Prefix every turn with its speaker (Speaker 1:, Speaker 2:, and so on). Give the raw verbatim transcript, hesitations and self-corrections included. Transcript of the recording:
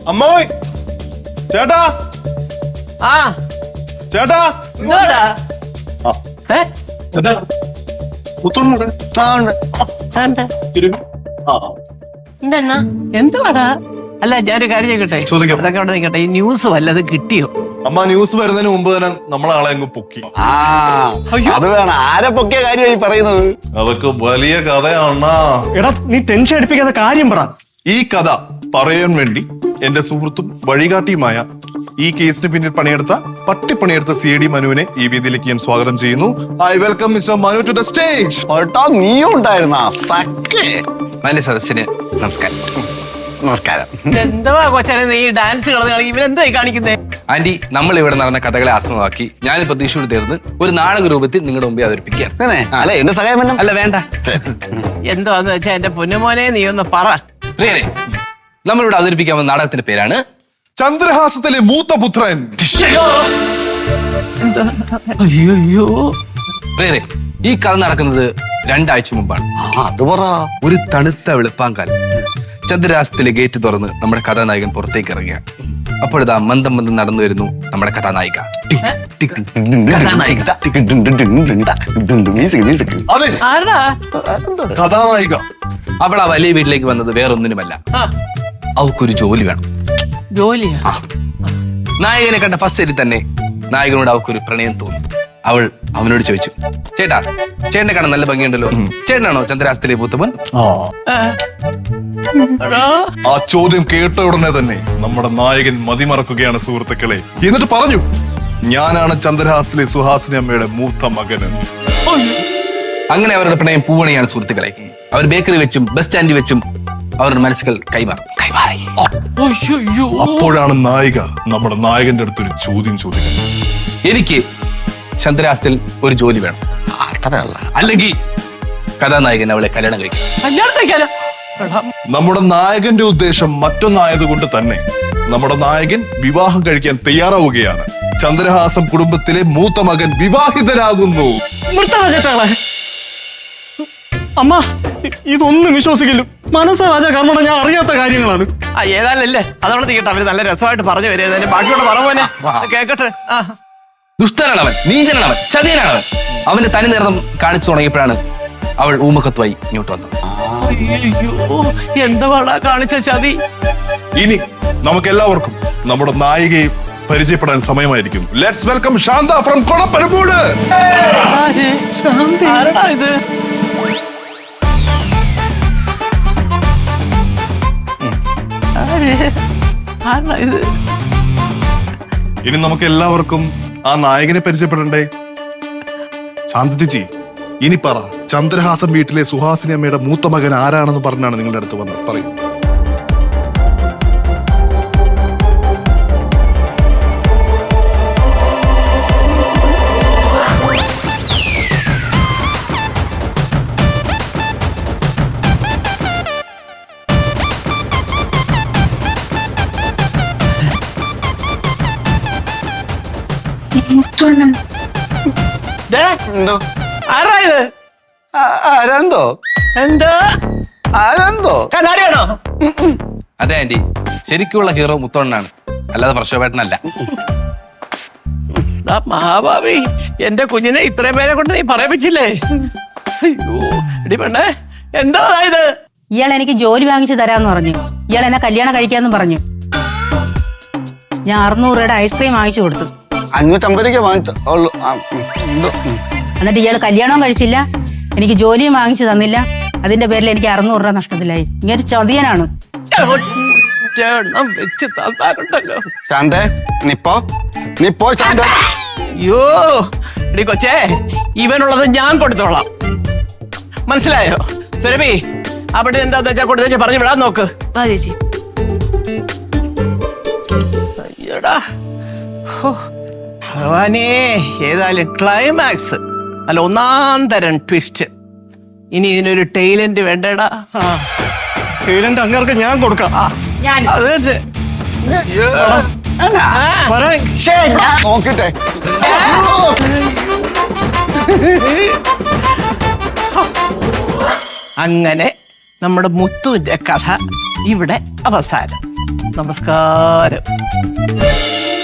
Speaker 1: അമ്മായി ചേട്ടാ
Speaker 2: ആ
Speaker 1: ചേട്ടാ
Speaker 2: ഇങ്ങോട്ടാ ഏ
Speaker 3: എന്തെണ്ണ
Speaker 2: എന്തുവാടാ? അല്ല ഞാനൊരു കാര്യം ചോദിക്കട്ടെ, അതൊക്കെ അവിടെ നിൽക്കട്ടെ. ഈ ന്യൂസ് വല്ലതും കിട്ടിയോ?
Speaker 1: അമ്മ ന്യൂസ് വരുന്നതിന് മുമ്പ് തന്നെ നമ്മളെ ആളെ അങ്ങ് പൊക്കി.
Speaker 4: ആ അത് വേണം. ആരെ പൊക്കിയ കാര്യമായി പറയുന്നത്?
Speaker 1: അതൊക്കെ വലിയ കഥയാണ.
Speaker 5: എടാ നീ ടെൻഷൻ അടിപ്പിക്കാത്ത കാര്യം പറ.
Speaker 1: ഈ കഥ പറയാൻ വേണ്ടി എന്റെ സുഹൃത്തും വഴികാട്ടിയുമായ ഈ കേസിന് പിന്നിൽ പണിയെടുത്ത പട്ടിപ്പണിയെടുത്ത സി ഡി മനുവിനെ ഈ വേദിയിലേക്ക് ഞാൻ സ്വാഗതം ചെയ്യുന്നു. I welcome mister Manu to the stage.
Speaker 4: നീയും ഉണ്ടായിരുന്ന സഖേ.
Speaker 6: മാന്യ സദസ്സിന് നമസ്കാരം.
Speaker 4: നമസ്കാരം.
Speaker 2: എന്തുവാ കൊച്ചനെ നീ ഡാൻസ് കളഞ്ഞ ഇവനെന്തോ കാണിക്കുന്നേ?
Speaker 6: ആന്റി, നമ്മൾ ഇവിടെ നടന്ന കഥകളെ ആസ്പദമാക്കി ഞാനിപ്പോ തൃശ്ശൂർ തീർന്ന് ഒരു നാടക രൂപത്തിൽ നിങ്ങളുടെ മുമ്പിൽ അവതരിപ്പിക്കുകയാണ്.
Speaker 4: അല്ല എന്റെ സഹായം
Speaker 6: അല്ല വേണ്ട.
Speaker 2: എന്തുവാന്ന് വെച്ചാ എന്റെ പൊന്നുമോനെ നീ ഒന്ന് പറ.
Speaker 6: പ്രിയരെ, നമ്മളിവിടെ അവതരിപ്പിക്കാൻ വന്ന നാടകത്തിന്റെ പേരാണ്
Speaker 1: ചന്ദ്രഹാസത്തിലെ മൂത്ത പുത്രൻ.
Speaker 2: അയ്യോ
Speaker 6: പ്രിയരെ, ഈ കഥ നടക്കുന്നത് രണ്ടാഴ്ച മുമ്പാണ്.
Speaker 4: അത് പറ.
Speaker 6: ഒരു തണുത്ത വെളുപ്പാങ്കാലം ചന്ദ്രഹാസത്തിലെ ഗേറ്റ് തുറന്ന് നമ്മുടെ കഥാനായകൻ പുറത്തേക്ക് ഇറങ്ങുകയാണ്. അപ്പോഴിതാ മന്ദം മന്ദം നടന്നു വരുന്നു നമ്മുടെ കഥാനായിക.
Speaker 1: അതെ,
Speaker 2: ആരടാ?
Speaker 1: കഥാനായിക.
Speaker 6: അവൾ ആ വലിയ വീട്ടിലേക്ക് വന്നത് വേറൊന്നിനുമല്ല, അവൾക്കൊരു ജോലി വേണം.
Speaker 2: ജോലിയാ?
Speaker 6: നായകനെ കണ്ട ഫസ്റ്റ് സൈറ്റിൽ തന്നെ നായകനോട് അവൾക്കൊരു പ്രണയം തോന്നി. അവൾ അവനോട് ചോദിച്ചു, ചേട്ടാ ചേട്ടനെ കാണാൻ നല്ല ഭംഗിയുണ്ടല്ലോ, ചേട്ടനാണോ ചന്ദ്രഹാസത്തിലെ പൂത്തപ്പൻ?
Speaker 1: ആ ചോദ്യം കേട്ട ഉടനെ തന്നെ നമ്മുടെ നായകൻ മതിമറക്കുകയാണ് സുഹൃത്തുക്കളെ. എന്നിട്ട് പറഞ്ഞു, ഞാനാണ് ചന്ദ്രഹാസത്തിലെ സുഹാസിനി അമ്മയുടെ മൂത്ത മകൻ.
Speaker 6: അങ്ങനെ അവരുടെ പ്രണയം പൂവണിയാണ് സുഹൃത്തുക്കളെ. അവർ ബേക്കറി വെച്ചും ബസ് സ്റ്റാൻഡിൽ വെച്ചും അവരുടെ മനസ്സുകൾ കൈമാറി കൈമാറി
Speaker 1: അപ്പോഴാണ് നായിക നമ്മുടെ നായകന്റെ അടുത്തൊരു ചോദ്യം ചോദിക്കുന്നത്.
Speaker 6: എനിക്ക് ചന്ദ്രഹാസത്തിൽ ഒരു ജോലി വേണം, അല്ലെങ്കിൽ കഥാനായകൻ അവളെ കല്യാണം കഴിക്കും.
Speaker 2: കല്യാണം കഴിക്കാനോ?
Speaker 1: നമ്മുടെ നായകന്റെ ഉദ്ദേശം മറ്റൊന്നായതുകൊണ്ട് തന്നെ നമ്മുടെ നായകൻ വിവാഹം കഴിക്കാൻ തയ്യാറാവുകയാണ്. ചന്ദ്രഹാസം കുടുംബത്തിലെ മൂത്ത മകൻ വിവാഹിതരാകുന്നു.
Speaker 5: അമ്മ ഇതൊന്നും വിശ്വസിക്കില്ല. മനസ്സാവാച കർമ്മണ ഞാൻ അറിയാത്ത കാര്യങ്ങളാണ്.
Speaker 2: ആ ഏതായാലല്ലേ അതവിടെ തീക്കട്ടെ. അവര് നല്ല രസമായിട്ട് പറഞ്ഞു വരും. ബാക്കിയോട് പറ കേക്കട്ടെ.
Speaker 6: ദുഷ്ടനാണവൻ, നീചനാണവൻ, ചതിയനാണവൻ. അവന്റെ തനി നിറം കാണിച്ചു തുടങ്ങിയപ്പോഴാണ് അവൾ ഊമക്കത്തുമായി ഇങ്ങോട്ട് വന്നത്.
Speaker 2: എന്താ കാണിച്ച ചതി?
Speaker 1: ഇനി നമുക്ക് എല്ലാവർക്കും നമ്മുടെ നായികയെ പരിചയപ്പെടാൻ സമയമായിരിക്കും. Let's welcome Shantha from Kolappanamood.
Speaker 2: ആരടാ ഇത്? ആരടാ ഇത്?
Speaker 1: ഇനി നമുക്ക് എല്ലാവർക്കും ആ നായകനെ പരിചയപ്പെടണ്ടേ? ശാന്ത ചേച്ചി, ഇനി പറ, ചന്ദ്രഹാസം വീട്ടിലെ സുഹാസിനി അമ്മയുടെ മൂത്ത മകൻ ആരാണെന്ന് പറഞ്ഞാണ് നിങ്ങളുടെ അടുത്ത് വന്നത്? പറയൂ.
Speaker 4: എന്തോ
Speaker 2: ആരാ ഇത്?
Speaker 4: ആരാന്തോ
Speaker 2: എന്താ
Speaker 4: ആരാന്തോ
Speaker 2: കണ്ണാടിയാണോ?
Speaker 6: അതെ ആന്റി, ശരിക്കുള്ള ഹീറോ മുത്തോണ്ണനാണ്, അല്ലാതെ പ്രശോഭേട്ടനല്ല.
Speaker 2: മഹാഭാവി, എന്റെ കുഞ്ഞിനെ ഇത്രയും പേരെ കൊണ്ട് നീ പറയിപ്പിച്ചില്ലേ? അയ്യോ എടി പെണ്ണേ, എന്താ ഇത്?
Speaker 3: ഇയാൾ എനിക്ക് ജോലി വാങ്ങിച്ചു തരാന്ന് പറഞ്ഞു. ഇയാൾ എന്നെ കല്യാണം കഴിക്കാന്നും പറഞ്ഞു. ഞാൻ അറുന്നൂറ് രൂപയുടെ ഐസ്ക്രീം വാങ്ങിച്ചു കൊടുത്തു.
Speaker 4: അഞ്ഞൂറ്റമ്പത് രൂപ വാങ്ങിച്ചു.
Speaker 3: എന്നിട്ട് ഇയാൾ കല്യാണവും കഴിച്ചില്ല, എനിക്ക് ജോലിയും വാങ്ങിച്ചു തന്നില്ല. അതിന്റെ പേരിൽ എനിക്ക് അറുന്നൂറ് രൂപ നഷ്ടത്തിലായി. ഇങ്ങനെ ചതിയനാണ്.
Speaker 2: വെച്ച് തന്നാലുണ്ടല്ലോ.
Speaker 4: ശാന്തേ, നിപ്പോ നിപ്പോ ശാന്ത.
Speaker 2: അയ്യോ എടി കൊച്ചേ, ഇവനുള്ളത് ഞാൻ കൊടുത്തോളാം, മനസ്സിലായോ? സുരഭി, അവിടെ എന്താന്ന് വെച്ചാ കൊടുത്ത പറഞ്ഞു വിടാൻ നോക്ക്.
Speaker 3: ചേച്ചി
Speaker 2: അയ്യടാ, ഭഗവാനേ, ഏതായാലും ക്ലൈമാക്സ് അല്ല ഒന്നാം തരം ട്വിസ്റ്റ്. ഇനി ഇതിനൊരു ടൈലന്റ് വേണ്ടടാ.
Speaker 5: ടൈലന്റ് അങ്ങേർക്ക് ഞാൻ കൊടുക്കാം.
Speaker 2: അത് തന്നെ.
Speaker 4: നോക്കിട്ടെ.
Speaker 2: അങ്ങനെ നമ്മുടെ മുത്തുവിന്റെ കഥ ഇവിടെ അവസാനം. നമസ്കാരം.